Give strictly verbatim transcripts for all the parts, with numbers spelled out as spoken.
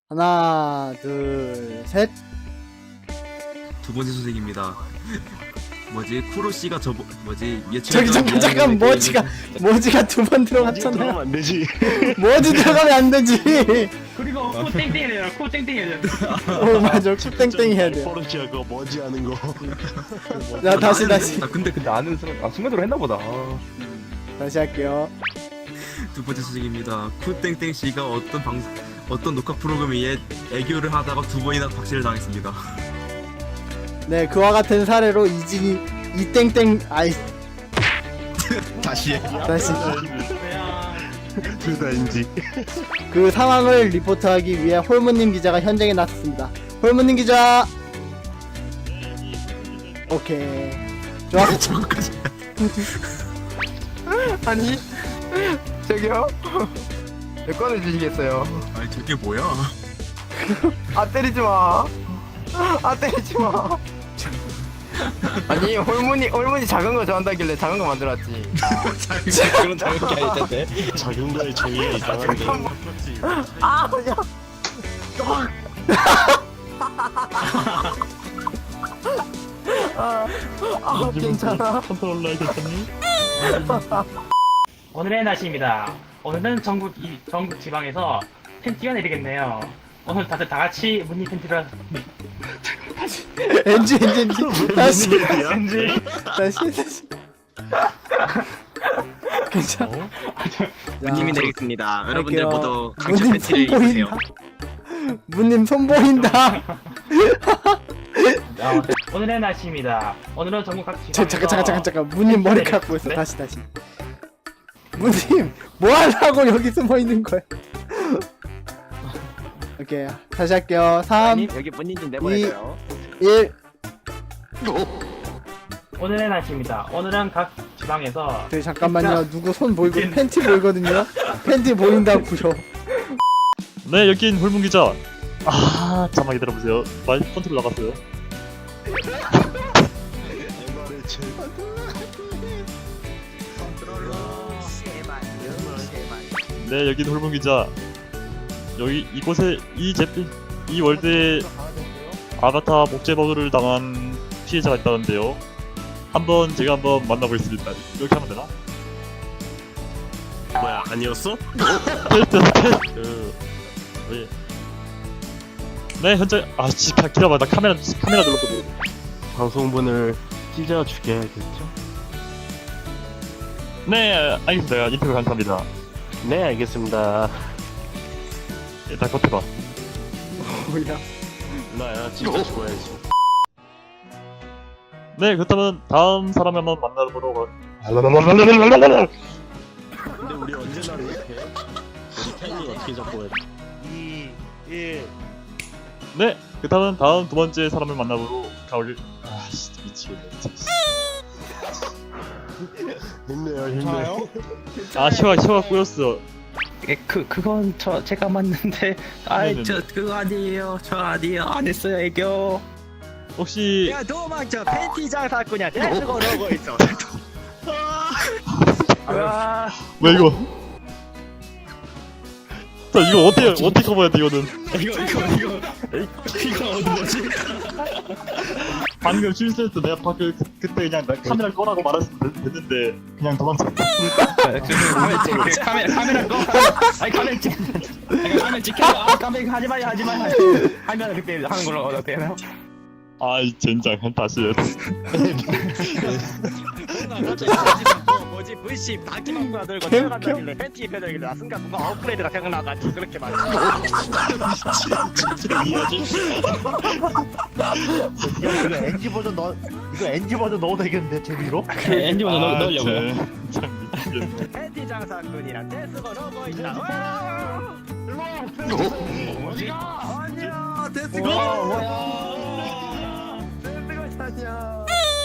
하나, 둘, 셋. 두 번째 소식입니다. 뭐지 쿠로 씨가 저 뭐지 예측 저기 잠깐 잠깐 머지가 머지가 두 번 들어갔잖아요. 들어가면 안 되지. 머지 들어가면 안 되지. 그리고 코 땡땡 해야 돼요. 코 땡땡 해야 돼요. 어 맞아, 땡땡 해야 돼요. 버릇이야 그거 머지 하는 거. 자 다시 다시 아 근데 근데 아는 순간 아 순간적으로 했나보다. 다시 할게요. 두 번째 소식입니다. 쿠땡땡 씨가 어떤 방 어떤 녹화 프로그램에 애교를 하다가 두 번이나 박제를 당했습니다. 네, 그와 같은 사례로 이진이 이땡땡 아이 다시 해. 다시 둘 다 인지. 그 상황을 리포트하기 위해 홀무님 기자가 현장에 나섰습니다. 홀무님 기자. 오케이. 좋아. 저거까지. 아니 저기요. 내 꺼내 주시겠어요? 아니 저게 뭐야? 아 때리지 마. 아 때리지 마. 아니 홀문이 홀문이 작은 거 좋아한다길래 작은 거 만들었지. 그런 작은 게 아니던데. 작은 거에 정의가 이상한데. 아 야. 아, 아 괜찮아. 컨트롤러 괜찮니? 오늘의 날씨입니다. 오늘은 전국 이 전국 지방에서 팬티가 내리겠네요. 오늘 다들 다 같이 무늬 팬티를 엔지 엔지 엔지 다시 팬티. 다시 다시. 괜찮아. 무님이 내리겠습니다. 여러분들 할게요. 모두 강철 무님 팬티를 손 입으세요. 보인다. 무님 손 보인다. 오늘의 날씨입니다. 오늘은 전국 각 지방에서 저, 잠깐 잠깐 잠깐 잠깐 무님 머리카락 보였어. 네? 다시 다시. 무님 뭐 하려고 여기 숨어 있는 거야? 오케이 다시 할게요. 삼, 여기 본인 좀 내보내줘요. 일. 오늘의 날씨입니다. 오늘은 각 지방에서 저기 잠깐만요. 누구 손 보이고 팬티 보이거든요. 팬티 보인다고요. 네, 여긴 홀문 기자. 아, 잠깐만 기다려보세요. 말 컨트롤 나갔어요. 네, 여긴 홀문 기자. 여기 이곳에 이 제품 이 월드에 아바타 목재 버그를 당한 피해자가 있다는데요. 한번 제가 한번 만나보겠습니다. 이렇게 하면 되나? 뭐야 아니었어? 테스트 테스트. 왜? 네, 현재 아, 씨, 가- 기다려봐. 나 카메라 카메라 눌렀거든. 방송분을 찢어 죽여야겠죠? 네, 알겠습니다. 인터뷰 감사합니다. 네 알겠습니다. 일단 컷해봐. 뭐야? 나야 찢어 죽어야지. 네, 그렇다면 다음 사람 한번 만나보도록 하... 근데 우리 언제나 이렇게 우리 팬이 어떻게 잡고 해? 이, 일. 네, 그렇다면 다음 두 번째 사람을 만나보러 가올. 아, 진짜 미치겠네. 진짜. 힘내요 힘내요. 아, 시화 시화 꼬였어. 예, 그 그건 저 제가 맞는데 아이 네네네. 저 그거 아니에요 저 아니에요 안 했어요 애교. 혹시 야 도망쳐 팬티 장사꾼이야 내가 그러고 있어. 아, 뭐 이거? 자, 이거 어떻게 어떻게 커버해야 돼 이거는? 이거 이거 이거 이거 어디 뭐지? 방금 실수했어. 내가 방금 그, 그때 그냥 나 카메라 꺼라고 말했으면 됐- 됐는데 그냥 도망쳤어. 그 카메라 카메라 꺼. 아니 카메라 찍. 아니, 카메라 찍혀. 아 카메라 하지 마요 하지 마요. 하면 그때 하는 걸로 어떻게 되나요? 아이 젠장 다시 해. 뭐지 브이씨 바퀴만구나 들고 뛰어간다길래 팬티 입혀들길래 나 순간 뭔가 업그레이드가 생각나가지고 그렇게 말해. 진짜 이해하지? 이거 엔지 버전 넣 이거 엔지 버전 넣어도 되겠는데 재미로? 엔지 먼저 아, 넣으려고요. 참 미치겠네. 팬티 장사꾼이랑 데스고 러고 있다. 뭐지? 아니야 데스고. 뭐야? 데스고 아니야.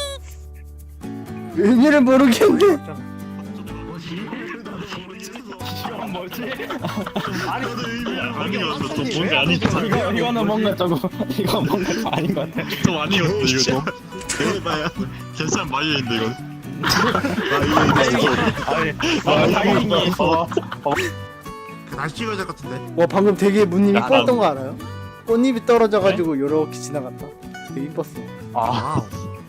의미를 모르겠는데. 이건 뭐지? 아니었어. 좀 뭔가 아니지. 이거 이거는 뭔가 저거 이거 뭔가 좀 아닌 것 같아. 좀 아니었어 이거 좀. 그래봐야 괜찮은 마이인데 이건. 아니, 아, 다행히 다시 찍어야 될 것 같은데. 와 방금 되게 문님 야, 이뻤던 거 알아요? 꽃잎이 떨어져가지고 요렇게 지나갔다. 되게 이뻤어. 아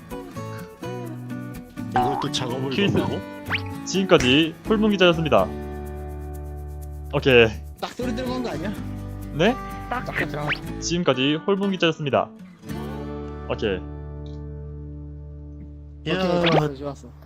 이것도 작업을 퀴즈. 넣고 지금까지 홀문 기자였습니다. 오케이. 딱 소리 들어간 거 아니야? 네? 딱 들어가. 지금까지 홀문 기자였습니다. 오케이. 오케이 좋았어 좋았어.